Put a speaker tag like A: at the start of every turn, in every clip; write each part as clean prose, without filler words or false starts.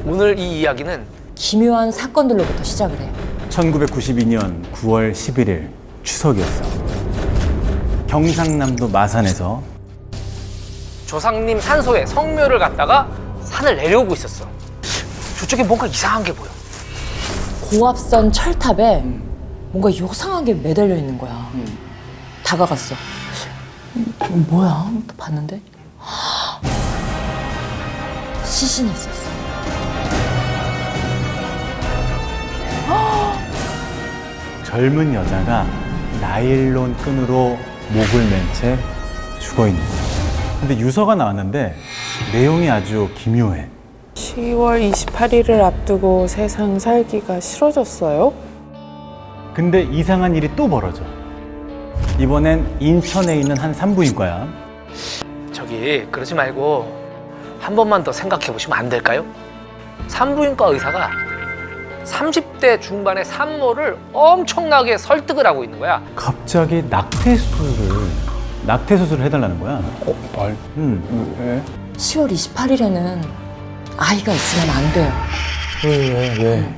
A: 오늘 이 이야기는
B: 기묘한 사건들로부터 시작을 해요.
C: 1992년 9월 11일 추석이었어. 경상남도 마산에서
A: 조상님 산소에 성묘를 갔다가 산을 내려오고 있었어. 저쪽에 뭔가 이상한 게 보여.
B: 고압선 철탑에 뭔가 요상하게 매달려 있는 거야. 다가갔어. 뭐야? 봤는데 시신이 있었어.
C: 젊은 여자가 나일론 끈으로 목을 맨 채 죽어 있는 거야. 근데 유서가 나왔는데 내용이 아주 기묘해.
D: 10월 28일을 앞두고 세상 살기가 싫어졌어요?
C: 근데 이상한 일이 또 벌어져. 이번엔 인천에 있는 한 산부인과야.
A: 저기 그러지 말고 한 번만 더 생각해 보시면 안 될까요? 산부인과 의사가 30대 중반의 산모를 엄청나게 설득을 하고 있는 거야.
C: 갑자기 낙태 수술을 해달라는 거야.
E: 말? 왜?
B: 10월 28일에는 아이가 있으면 안 돼요.
E: 왜?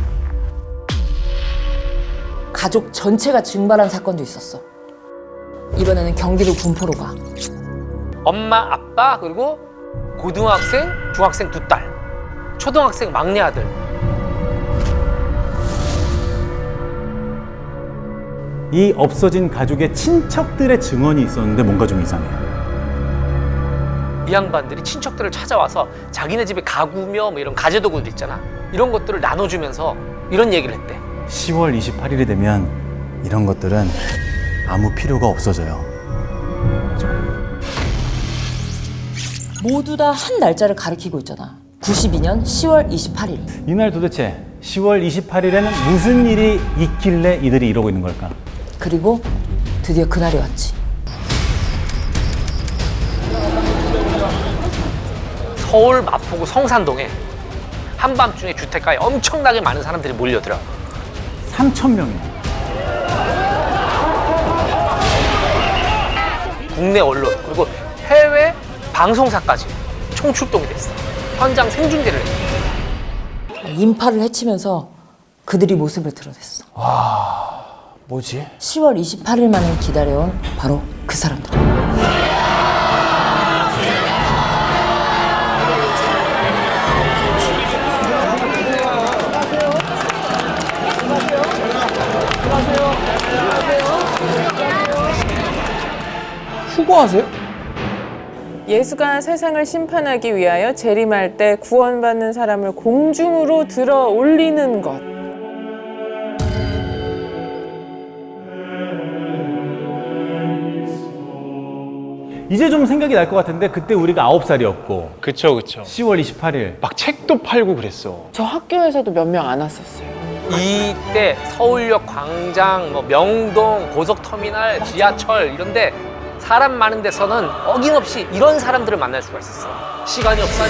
B: 가족 전체가 증발한 사건도 있었어. 이번에는 경기도 군포로 가.
A: 엄마, 아빠, 그리고 고등학생, 중학생 2딸, 초등학생 막내 아들.
C: 이 없어진 가족의 친척들의 증언이 있었는데 뭔가 좀 이상해.
A: 이 양반들이 친척들을 찾아와서 자기네 집에 가구며 뭐 이런 가재도구들 있잖아. 이런 것들을 나눠주면서 이런 얘기를 했대.
C: 10월 28일이 되면 이런 것들은 아무 필요가 없어져요.
B: 모두 다 한 날짜를 가리키고 있잖아. 92년 10월 28일.
C: 이날 도대체 10월 28일에는 무슨 일이 있길래 이들이 이러고 있는 걸까?
B: 그리고 드디어 그날이 왔지.
A: 서울 마포구 성산동에 한밤중에 주택가에 엄청나게 많은 사람들이 몰려들어.
C: 3,000명이나.
A: 국내 언론 그리고 해외 방송사까지 총출동이 됐어. 현장 생중계를 했어.
B: 인파를 헤치면서 그들이 모습을 드러냈어.
E: 뭐지?
B: 10월 28일만을 기다려온 바로 그 사람들.
E: 휴거하세요?
D: 예수가 세상을 심판하기 위하여 재림할 때 구원받는 사람을 공중으로 들어 올리는 것.
C: 이제 좀 생각이 날 것 같은데 그때 우리가 9살이었고
E: 그쵸.
C: 10월 28일
E: 막 책도 팔고 그랬어.
D: 저 학교에서도 몇 명 안 왔었어요.
A: 이때 서울역 광장, 뭐 명동, 고속터미널, 지하철 이런데 사람 많은 데서는 어김없이 이런 사람들을 만날 수가 있었어. 시간이 없어.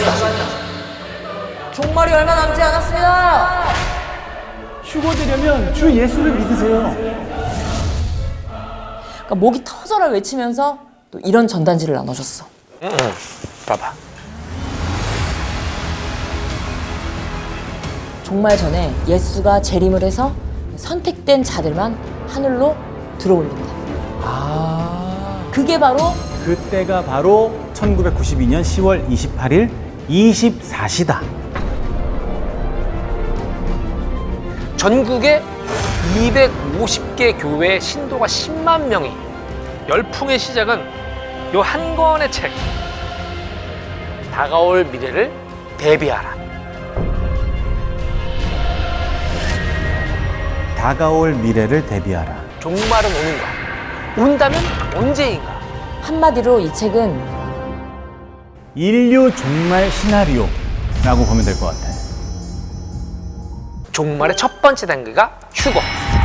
B: 종말이 얼마 남지 않았습니다.
C: 휴거되려면 주 예수를 믿으세요.
B: 그러니까 목이 터져라 외치면서 또 이런 전단지를 나눠줬어.
A: 응. 봐봐.
B: 종말 전에 예수가 재림을 해서 선택된 자들만 하늘로 들어올린다. 그게 바로
C: 그때가 바로 1992년 10월 28일 24시다.
A: 전국에 250개 교회의 신도가 10만 명이 열풍의 시작은 요 한 권의 책 다가올 미래를 대비하라.
C: 다가올 미래를 대비하라.
A: 종말은 오는가? 온다면 언제인가?
B: 한마디로 이 책은
C: 인류 종말 시나리오라고 보면 될 것 같아.
A: 종말의 첫 번째 단계가 휴거.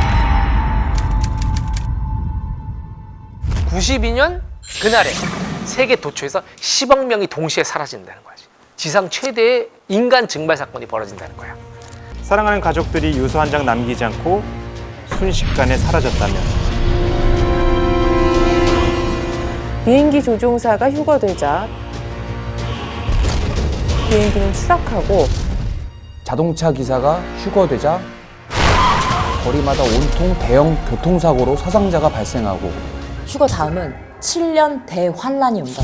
A: 92년 그날에 세계 도처에서 10억 명이 동시에 사라진다는 거지. 지상 최대의 인간 증발 사건이 벌어진다는 거야.
F: 사랑하는 가족들이 유서 한 장 남기지 않고 순식간에 사라졌다면
D: 비행기 조종사가 휴거되자 비행기는 추락하고
E: 자동차 기사가 휴거되자 거리마다 온통 대형 교통사고로 사상자가 발생하고
B: 휴거 다음은 7년 대환란이 온다.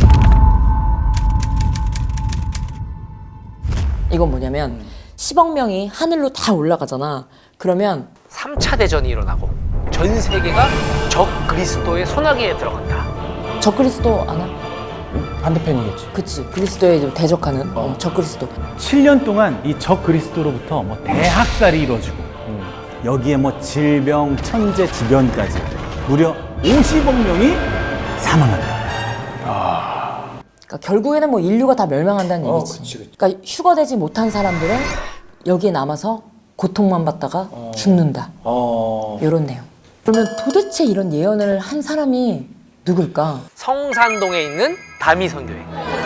B: 이건 뭐냐면 10억 명이 하늘로 다 올라가잖아. 그러면
A: 3차 대전이 일어나고 전 세계가 적 그리스도의 소나기에 들어간다.
B: 적그리스도 아나?
E: 반대편이겠지.
B: 그치. 그리스도에 좀 대적하는 적그리스도.
C: 7년 동안 이 적 그리스도로부터 뭐 대학살이 이루어지고 여기에 뭐 질병, 천재지변까지 무려 50억 명이 사망한다.
B: 그러니까 결국에는 뭐 인류가 다 멸망한다는 얘기지. 그러니까 휴거되지 못한 사람들은 여기에 남아서 고통만 받다가 죽는다. 이런 내용. 그러면 도대체 이런 예언을 한 사람이 누굴까?
A: 성산동에 있는 다미 선교회.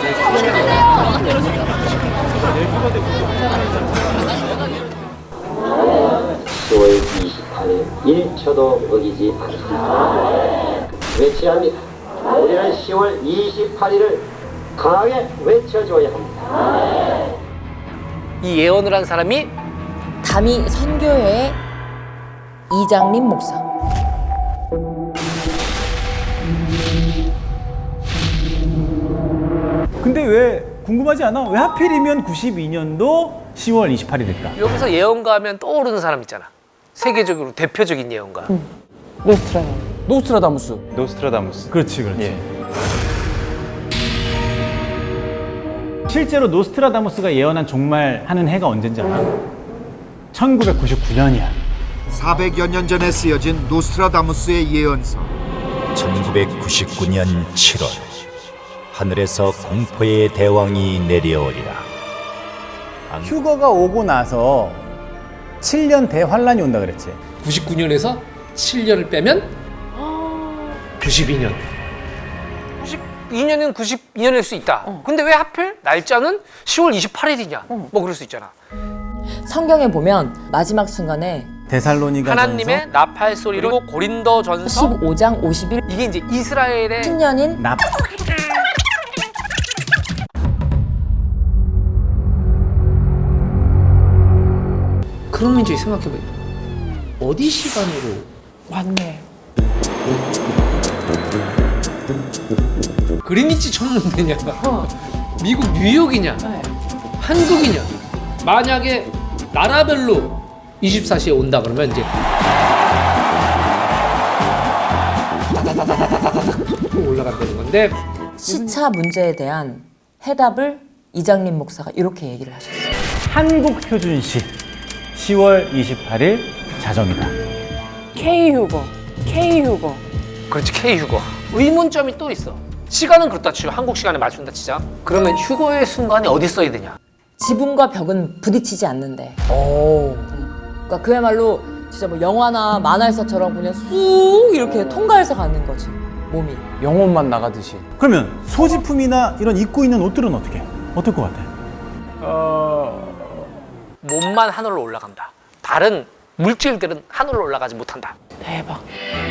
G: (10월 28일) 1초도 어기지 않습니다. 외쳐야 합니다. 우리는 10월 28일을 강하게 외쳐줘야 합니다.
A: 이 예언을 한 사람이
B: 다미 선교회의 이장림 목사.
C: 근데 왜 궁금하지 않아? 왜 하필이면 92년도 10월 28일일까?
A: 여기서 예언가 하면 떠오르는 사람 있잖아. 세계적으로 대표적인 예언가.
E: 노스트라다무스.
F: 노스트라다무스.
C: 그렇지, 그렇지.
F: 예.
C: 실제로 노스트라다무스가 예언한 종말하는 해가 언젠지 알아? 1999년이야.
H: 400여 년 전에 쓰여진 노스트라다무스의 예언서.
I: 1999년 7월 하늘에서 공포의 대왕이 내려오리라.
C: 휴거가 오고 나서 7년 대환란이 온다 그랬지.
A: 99년에서 7년을 빼면 92년. 92년은 92년일 수 있다. 근데 왜 하필 날짜는 10월 28일이냐? 뭐 그럴 수 있잖아.
B: 성경에 보면 마지막 순간에
C: 데살로니가
A: 하나님의 나팔 소리로 그리고 고린도전서
B: 15장 51
A: 이게 이제 이스라엘의
B: 10년인
C: 납
A: 그러면 이제 생각해봐요. 어디 시간으로
D: 맞네.
A: 그리니치 천문대냐? 미국 뉴욕이냐? 한국이냐? 만약에 나라별로 24시에 온다 그러면 이제 올라간다는 건데
B: 시차 문제에 대한 해답을 이장림 목사가 이렇게 얘기를 하셨어요.
C: 한국 표준시 10월 28일 자정이다.
D: K휴거. K휴거.
A: 그렇지 K휴거. 의문점이 또 있어. 시간은 그렇다 치고 한국 시간에 맞춘다 치자. 그러면 휴거의 순간이 어디 써야 되냐?
B: 지붕과 벽은 부딪히지 않는데. 그러니까 그야말로 진짜 뭐 영화나 만화에서처럼 그냥 쑥 이렇게 통과해서 가는 거지. 몸이.
E: 영혼만 나가듯이.
C: 그러면 소지품이나 이런 입고 있는 옷들은 어떻게 해? 어떨 것 같아?
A: 몸만 하늘로 올라간다. 다른 물질들은 하늘로 올라가지 못한다.
D: 대박.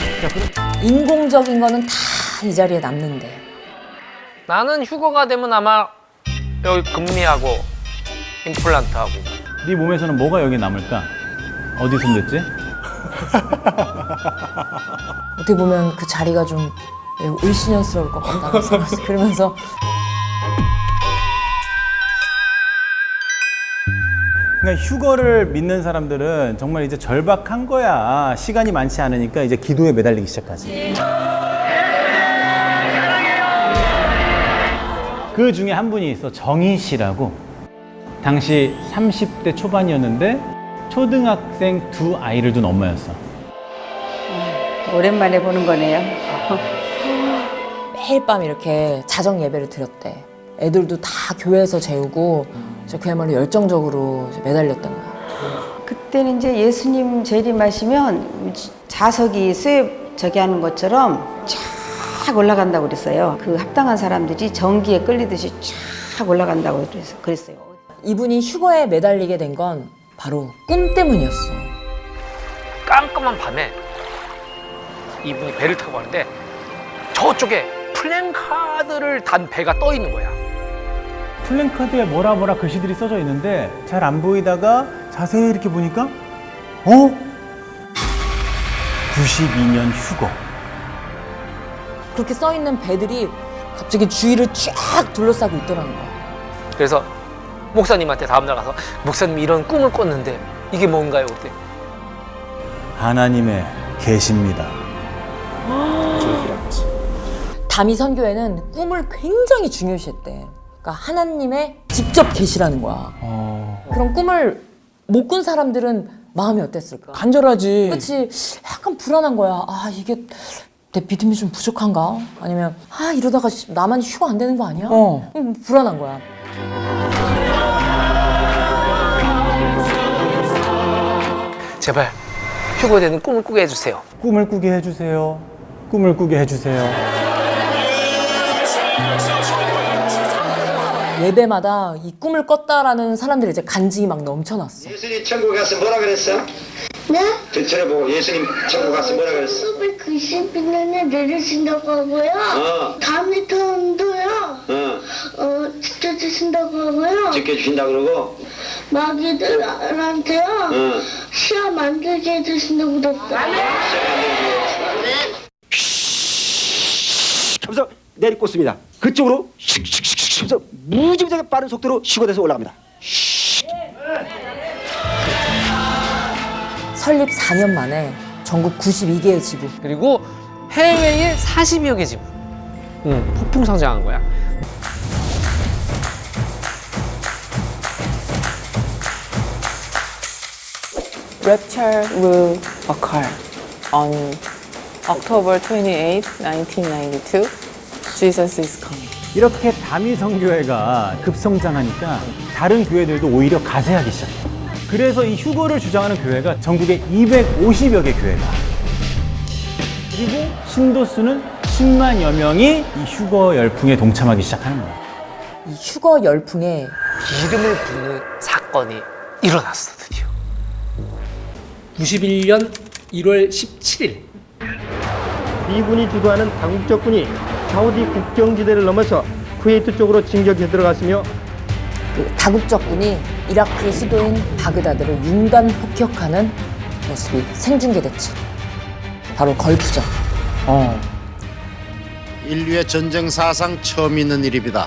B: 인공적인 거는 다 이 자리에 남는데.
A: 나는 휴거가 되면 아마 여기 금리하고 임플란트하고
C: 네 몸에서는 뭐가 여기 남을까? 어디 손댔지?
B: 어떻게 보면 그 자리가 좀 매우 을씨년스러울 것 같다는 생각이 그러면서
C: 그러니까 휴거를 믿는 사람들은 정말 이제 절박한 거야. 시간이 많지 않으니까 이제 기도에 매달리기 시작하지. 그 중에 한 분이 있어. 정희 씨라고. 당시 30대 초반이었는데 초등학생 2아이를 둔 엄마였어.
J: 오랜만에 보는 거네요.
B: 매일 밤 이렇게 자정 예배를 드렸대. 애들도 다 교회에서 재우고 그야말로 열정적으로 이제 매달렸던 거야.
J: 그때는 이제 예수님 재림하시면 자석이 수еб 저기 하는 것처럼 쫙 올라간다고 그랬어요. 그 합당한 사람들이 전기에 끌리듯이 쫙 올라간다고 그랬어요.
B: 이분이 휴거에 매달리게 된 건 바로 꿈 때문이었어.
A: 깜깜한 밤에 이분이 배를 타고 가는데 저쪽에 플랜카드를 단 배가 떠 있는 거야.
C: 플랜카드에 뭐라 글씨들이 써져 있는데 잘 안 보이다가 자세히 이렇게 보니까 92년 휴거.
B: 그렇게 써 있는 배들이 갑자기 주위를 쫙 둘러싸고 있더라는 거야.
A: 그래서 목사님한테 다음날 가서 목사님이 이런 꿈을 꿨는데 이게 뭔가요? 그때
C: 하나님의 계십니다.
B: 다미 선교회는 꿈을 굉장히 중요시했대. 그러니까 하나님의 직접 계시라는 거야. 그런 꿈을 못 꾼 사람들은 마음이 어땠을까?
E: 간절하지.
B: 그렇지. 약간 불안한 거야. 아, 이게 내 믿음이 좀 부족한가? 아니면 이러다가 나만 휴가 안 되는 거 아니야? 불안한 거야.
A: 제발 휴거되는 꿈을 꾸게 해주세요.
C: 꿈을 꾸게 해주세요. 꿈을 꾸게 해주세요.
B: 예배마다 이 꿈을 꿨다라는 사람들이 이제 간증이 막 넘쳐났어.
G: 예수님 천국 가서 뭐라 그랬어?
K: 네?
G: 들춰보고 예수님 천국 가서 뭐라 그랬어?
K: 1990년에 내리신다고 하고요. 다음에 돈도요. 지켜주신다고 하고요.
G: 지켜주신다 그러고
K: 마귀들한테요. 시험 안 들게 해주신다고 그랬어요.
G: 하면서 내리꽂습니다. 그쪽으로 하면서 무지무지하게 빠른 속도로 휴거돼서 올라갑니다.
B: 설립 4년 만에 전국 92개의 지부.
A: 그리고 해외에 40여 개 지부. 폭풍 성장한 거야.
D: Rapture will occur on October 28, 1992. Jesus is coming.
C: 이렇게 다미 선교회가 급성장하니까 다른 교회들도 오히려 가세하기 시작해. 그래서 이 휴거를 주장하는 교회가 전국에 250여 개 교회가. 그리고 신도 수는 10만여 명이 이 휴거 열풍에 동참하기 시작하는 거야.
B: 이 휴거 열풍에
A: 이름을 부르는 사건이 일어났어, 드디어. 91년 1월 17일.
F: 미군이 주도하는 다국적군이 사우디 국경지대를 넘어서 쿠웨이트 쪽으로 진격해 들어갔으며
B: 그 다국적군이 이라크의 수도인 바그다드를 융단 폭격하는 모습이 생중계됐지. 바로 걸프전.
H: 인류의 전쟁 사상 처음 있는 일입니다.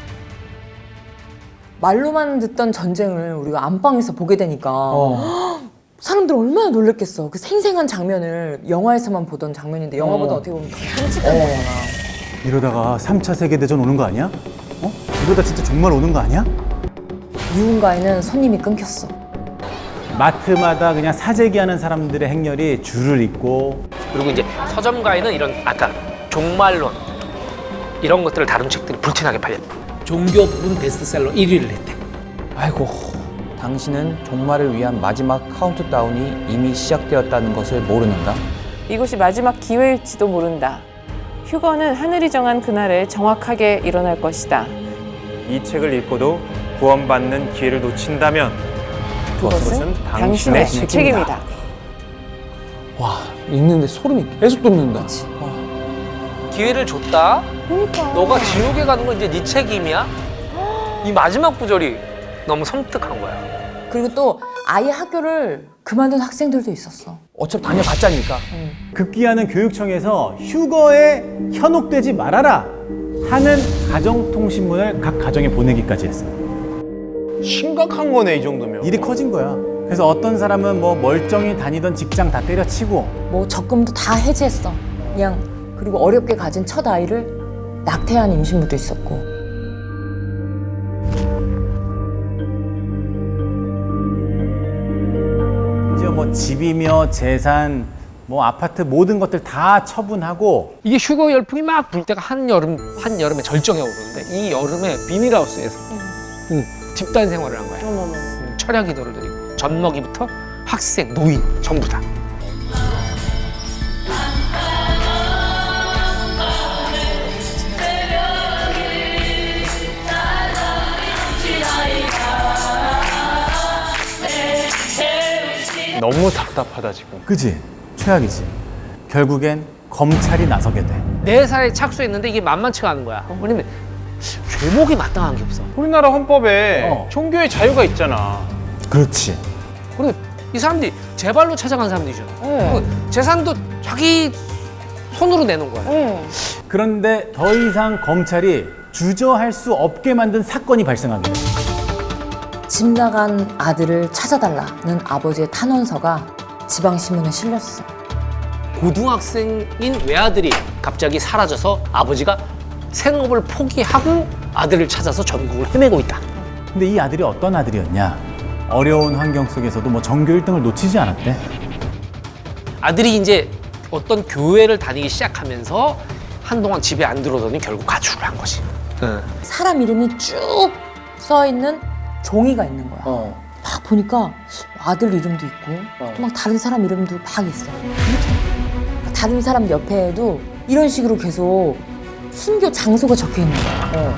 B: 말로만 듣던 전쟁을 우리가 안방에서 보게 되니까 사람들 얼마나 놀랬겠어. 그 생생한 장면을 영화에서만 보던 장면인데 영화보다 어떻게 보면 더 끔찍한 거잖아.
C: 이러다가 3차 세계대전 오는 거 아니야? 이러다 진짜 정말 오는 거 아니야?
B: 유흥가에는 손님이 끊겼어.
C: 마트마다 그냥 사재기하는 사람들의 행렬이 줄을 잇고.
A: 그리고 이제 서점가에는 이런 아까 종말론 이런 것들을 다룬 책들이 불티나게 팔렸다. 종교문 베스트셀러 1위를 했대.
E: 아이고, 당신은 종말을 위한 마지막 카운트다운이 이미 시작되었다는 것을 모르는가?
D: 이것이 마지막 기회일지도 모른다. 휴거는 하늘이 정한 그날에 정확하게 일어날 것이다.
F: 이 책을 읽고도 구원받는 기회를 놓친다면
D: 그것은 당신의 책임이다.
E: 와, 읽는데 소름이 계속 돋는다.
A: 기회를 줬다?
D: 그러니까.
A: 너가 지옥에 가는 건 이제 네 책임이야? 이 마지막 구절이 너무 섬뜩한 거야.
B: 그리고 또 아예 학교를 그만둔 학생들도 있었어.
E: 어차피 다녀봤자니까.
C: 급기야는 교육청에서 휴거에 현혹되지 말아라 하는 가정통신문을 각 가정에 보내기까지 했어.
F: 심각한 거네, 이 정도면.
C: 일이 커진 거야. 그래서 어떤 사람은 뭐 멀쩡히 다니던 직장 다 때려치고
B: 뭐 적금도 다 해지했어. 그냥 그리고 어렵게 가진 첫 아이를 낙태한 임신부도 있었고.
C: 이제 뭐 집이며 재산, 뭐 아파트 모든 것들 다 처분하고.
A: 이게 휴거 열풍이 막 불 때가 한여름에 절정에 오르는데 이 여름에 비닐하우스에서 집단 생활을 한 거야. 철야 기도를 드리고 젖먹이부터 학생, 노인 전부 다.
F: 너무 답답하다, 지금.
C: 그지? 최악이지. 결국엔 검찰이 나서게 돼.
A: 4살에 착수했는데 이게 만만치가 않은 거야. 왜냐면 죄목이 마땅한 게 없어.
F: 우리나라 헌법에 종교의 자유가 있잖아.
C: 그렇지.
A: 그리고 이 사람들이 제 발로 찾아간 사람들이죠. 그 재산도 자기 손으로 내놓은 거야.
C: 그런데 더 이상 검찰이 주저할 수 없게 만든 사건이 발생하게 돼.
B: 집 나간 아들을 찾아달라는 아버지의 탄원서가 지방신문에 실렸어.
A: 고등학생인 외아들이 갑자기 사라져서 아버지가 생업을 포기하고 아들을 찾아서 전국을 헤매고 있다.
C: 근데 이 아들이 어떤 아들이었냐? 어려운 환경 속에서도 뭐 전교 1등을 놓치지 않았대.
A: 아들이 이제 어떤 교회를 다니기 시작하면서 한동안 집에 안 들어오더니 결국 가출을 한 거지.
B: 사람 이름이 쭉 써있는 종이가 있는 거야. 막 보니까 아들 이름도 있고 또 막 다른 사람 이름도 막 있어. 다른 사람 옆에도 이런 식으로 계속 순교 장소가 적혀 있는 거야.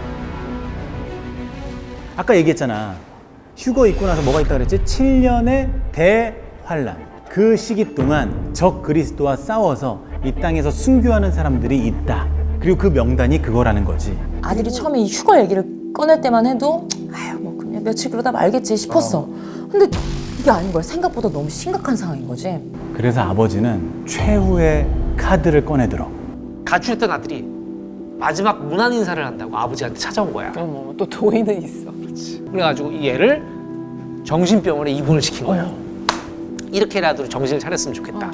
C: 아까 얘기했잖아. 휴거 있고 나서 뭐가 있다 그랬지? 7년의 대환란. 그 시기 동안 적 그리스도와 싸워서 이 땅에서 순교하는 사람들이 있다. 그리고 그 명단이 그거라는 거지.
B: 아들이 처음에 이 휴거 얘기를 꺼낼 때만 해도 아유 뭐 그냥 며칠 그러다 말겠지 싶었어. 근데 이게 아닌 거야. 생각보다 너무 심각한 상황인 거지.
C: 그래서 아버지는 최후의 카드를 꺼내들어.
A: 가출했던 아들이 마지막 문안 인사를 한다고 아버지한테 찾아온 거야.
D: 또 도의는 있어.
A: 그래가지고 이 애를 정신병원에 입원을 시킨 거야. 이렇게라도 정신을 차렸으면 좋겠다.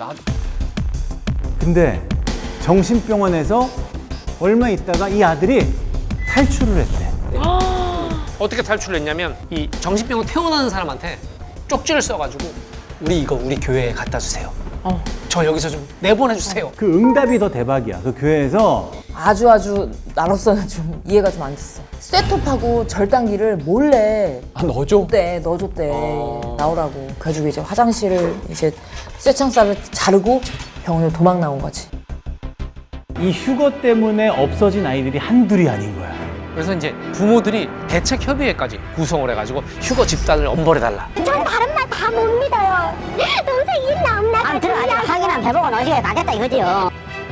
C: 근데 정신병원에서 얼마 있다가 이 아들이 탈출을 했대.
A: 어떻게 탈출을 했냐면 이 정신병원 퇴원하는 사람한테 쪽지를 써가지고 우리 교회에 갖다 주세요. 저 여기서 좀 내보내 주세요.
C: 그 응답이 더 대박이야. 그 교회에서
B: 아주 나로서는 좀 이해가 좀 안 됐어. 쇠톱하고 절단기를 몰래 넣어줬대. 나오라고. 그래가지고 이제 화장실을 이제 쇠창살을 자르고 병원을 도망 나온 거지.
C: 이 휴거 때문에 없어진 아이들이 한둘이 아닌 거야.
A: 그래서 이제 부모들이 대책협의회까지 구성을 해가지고 휴거 집단을 엄벌해달라.
K: 전 다른 말 다 못 믿어요. 동생 일 나옵나? 안 들어가지고 확인한 배보고 너시게 가겠다 이거지요.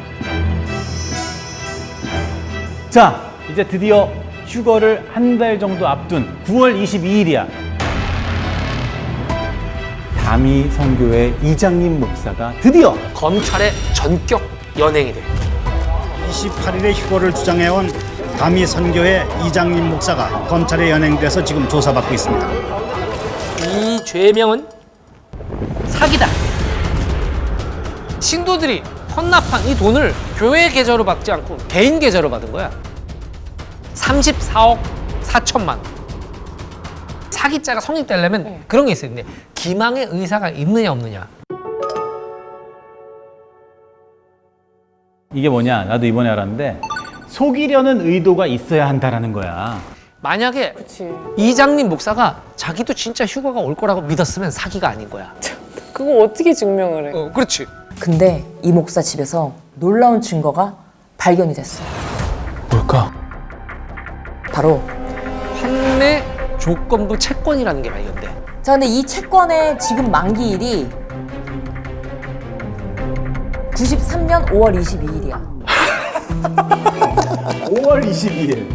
C: 자, 이제 드디어 휴거를 한 달 정도 앞둔 9월 22일이야. 다미 선교회 이장님 목사가 드디어
A: 검찰의 전격 연행이 돼.
L: 28일에 휴거를 주장해온 다미 선교회 이장님 목사가 검찰에 연행돼서 지금 조사받고 있습니다.
A: 이 죄명은 사기다. 신도들이 헌납한 이 돈을 교회 계좌로 받지 않고 개인 계좌로 받은 거야. 34억 4천만 원. 사기죄가 성립되려면 그런 게 있어요. 근데 기망의 의사가 있느냐 없느냐.
C: 이게 뭐냐? 나도 이번에 알았는데 속이려는 의도가 있어야 한다라는 거야.
A: 만약에 이장님 목사가 자기도 진짜 휴거가 올 거라고 믿었으면 사기가 아닌 거야.
D: 그거 어떻게 증명을 해?
A: 그렇지.
B: 근데 이 목사 집에서 놀라운 증거가 발견이 됐어.
C: 뭘까?
B: 바로
A: 판매 조건부 채권이라는 게 발견돼.
B: 자, 근데 이 채권의 지금 만기일이 93년 5월 22일이야.
C: 5월 22일.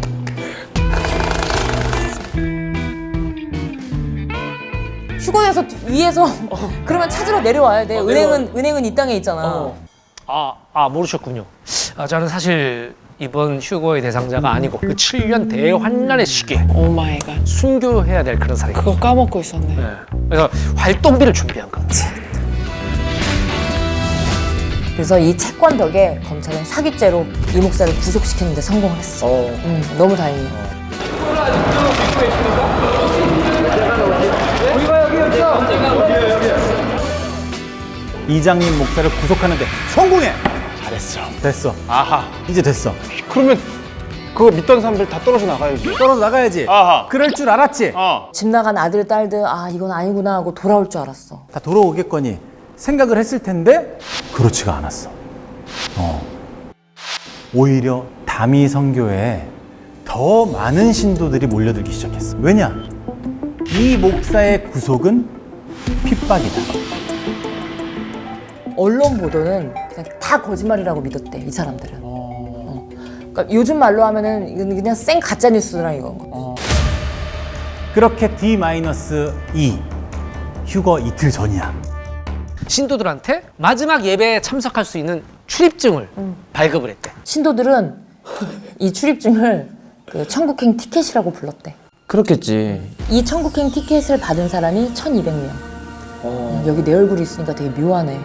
B: 휴거해서 위에서 그러면 찾으러 내려와야 돼. 은행은 이 땅에 있잖아.
A: 모르셨군요. 저는 사실 이번 휴거의 대상자가 아니고 그 7년 대환란의 시기에
D: 오 마이 갓.
A: 순교해야 될 그런 사람이.
D: 그거 까먹고 있었네.
A: 그래서 활동비를 준비한 거.
B: 그래서 이 채권 덕에 검찰은 사기죄로 이 목사를 구속시키는 데 성공을 했어. 너무 다행이에요.
C: 이장님 목사를 구속하는데 성공해! 잘했어. 됐어.
F: 아하.
C: 이제 됐어.
F: 그러면 그거 믿던 사람들 다 떨어져 나가야지.
C: 떨어져 나가야지.
F: 아하.
C: 그럴 줄 알았지?
B: 집 나간 아들, 딸들 이건 아니구나 하고 돌아올 줄 알았어.
C: 다 돌아오겠거니 생각을 했을 텐데 그렇지가 않았어. 오히려 다미 선교회에 더 많은 신도들이 몰려들기 시작했어. 왜냐? 이 목사의 구속은 핍박이다.
B: 언론 보도는 그냥 다 거짓말이라고 믿었대, 이 사람들은. 그러니까 요즘 말로 하면은 이건 그냥 생 가짜 뉴스라 이거.
C: 그렇게 D-2 휴거 이틀 전이야.
A: 신도들한테 마지막 예배에 참석할 수 있는 출입증을 발급을 했대.
B: 신도들은 이 출입증을 그 천국행 티켓이라고 불렀대.
E: 그렇겠지.
B: 이 천국행 티켓을 받은 사람이 1,200명. 여기 내 얼굴이 있으니까 되게 묘하네.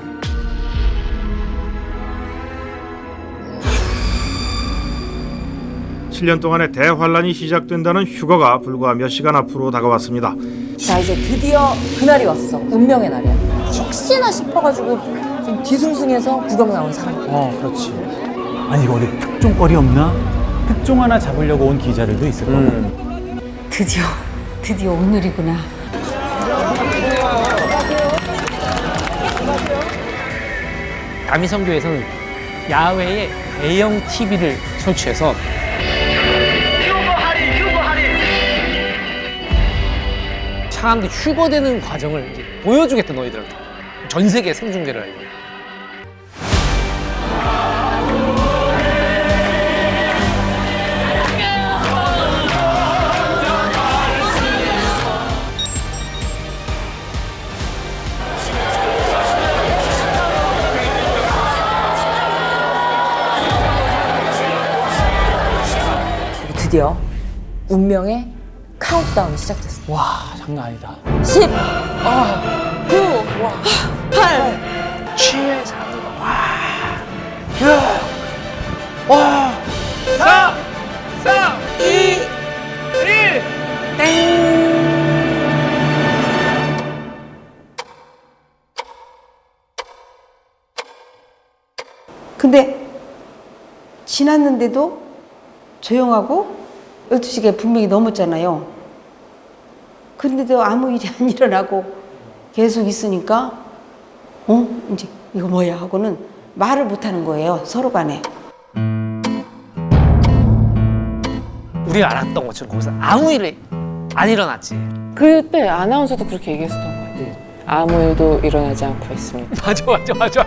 F: 칠 년 동안의 대환란이 시작된다는 휴거가 불과 몇 시간 앞으로 다가왔습니다.
B: 자, 이제 드디어 그날이 왔어. 운명의 날이야. 혹시나 싶어가지고 좀 뒤숭숭해서 구경 나온 사람.
C: 그렇지. 아니 이거 어디 특종거리 없나? 특종 하나 잡으려고 온 기자들도 있을 거고.
J: 드디어 오늘이구나.
A: 다미선교에서는 야외에 대형 TV를 설치해서 사람들이 휴거되는 과정을 이제 보여주겠다 너희들한테. 전 세계 생중계를 하려고.
B: 드디어 운명의 카운트다운이 시작됐어.
E: 와, 장난 아니다.
B: 10, 9, 8,
A: 7, 3, 4, 2, 1, 땡!
J: 근데 지났는데도 조용하고 12시가 분명히 넘었잖아요. 그런데도 아무 일이 안 일어나고 계속 있으니까 이제 이거 뭐야 하고는 말을 못하는 거예요, 서로 간에.
A: 우리가 알았던 것처럼 거기서 아무 일이 안 일어났지.
D: 그때 아나운서도 그렇게 얘기했었던 것 같아요. 아무 일도 일어나지 않고 있습니다.
A: 맞아.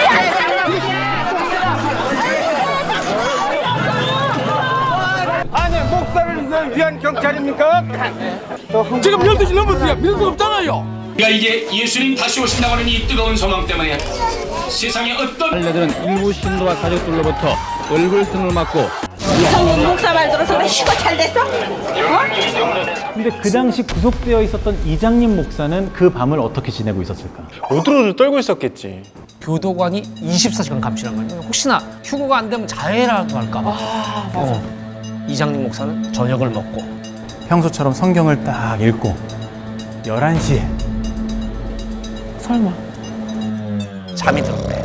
G: 아니 목사를 위한 경찰입니까?
M: 지금 12시 넘었어요. 믿을 수 없잖아요. 우리가 이제 예수님 다시 오신다고 하는 이 뜨거운 소망 때문에 세상에 어떤
N: 알려들은 일부 신도와 가족들로부터 얼굴등을 맞고
K: 이성민 목사 말 들어서 그래 휴가 잘 됐어?
C: 근데 그 당시 구속되어 있었던 이장님 목사는 그 밤을 어떻게 지내고 있었을까?
F: 오들오들 떨고 있었겠지.
A: 교도관이 24시간 감시란 말이야. 혹시나 휴거가 안 되면 자해라고 할까 봐. 맞아. 이장님 목사는 저녁을 먹고
C: 평소처럼 성경을 딱 읽고 11시에
D: 설마.
A: 잠이 들었대.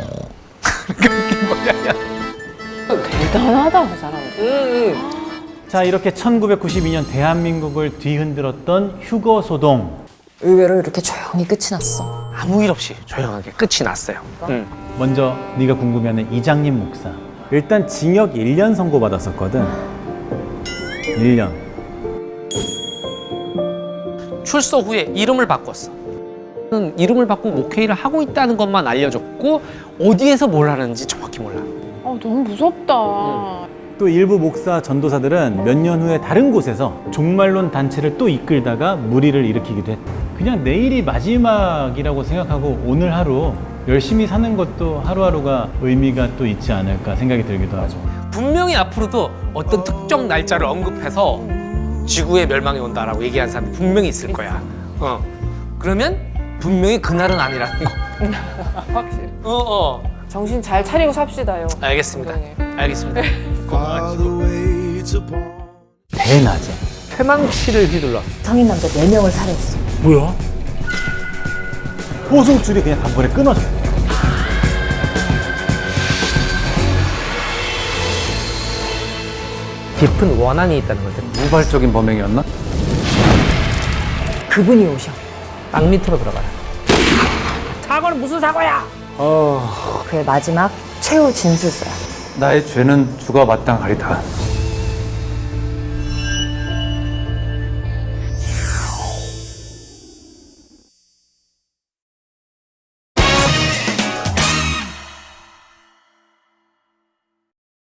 D: 대단하다, 그 사람들.
C: 자, 이렇게 1992년 대한민국을 뒤흔들었던 휴거 소동.
B: 의외로 이렇게 조용히 끝이 났어.
A: 아무 일 없이 조용하게 끝이 났어요.
C: 먼저 네가 궁금해하는 이장님 목사. 일단 징역 1년 선고받았었거든. 1년.
A: 출소 후에 이름을 바꿨어. 이름을 바꾸고 목회일을 하고 있다는 것만 알려줬고 어디에서 뭘 하는지 정확히 몰라.
D: 너무 무섭다.
C: 또 일부 목사 전도사들은 몇 년 후에 다른 곳에서 종말론 단체를 또 이끌다가 무리를 일으키기도 했다. 그냥 내일이 마지막이라고 생각하고 오늘 하루 열심히 사는 것도 하루하루가 의미가 또 있지 않을까 생각이 들기도 하죠.
A: 분명히 앞으로도 어떤 특정 날짜를 언급해서 지구의 멸망이 온다라고 얘기하는 사람이 분명히 있을 거야. 그러면 분명히 그날은 아니라는 거.
D: 확실히. 정신 잘 차리고 삽시다요.
A: 알겠습니다. 알겠습니다.
C: 대낮에
A: 퇴망치를 휘둘러
B: 성인 남자 4명을 살해했어.
C: 뭐야? 호송줄이 그냥 단번에 끊어져.
A: 깊은 원한이 있다는 거죠.
E: 우발적인 범행이었나?
B: 그분이 오셔.
A: 땅 밑으로 들어가라. 사고는 무슨 사고야?
B: 그의 마지막 최후 진술서야.
E: 나의 죄는 주가 마땅하리다.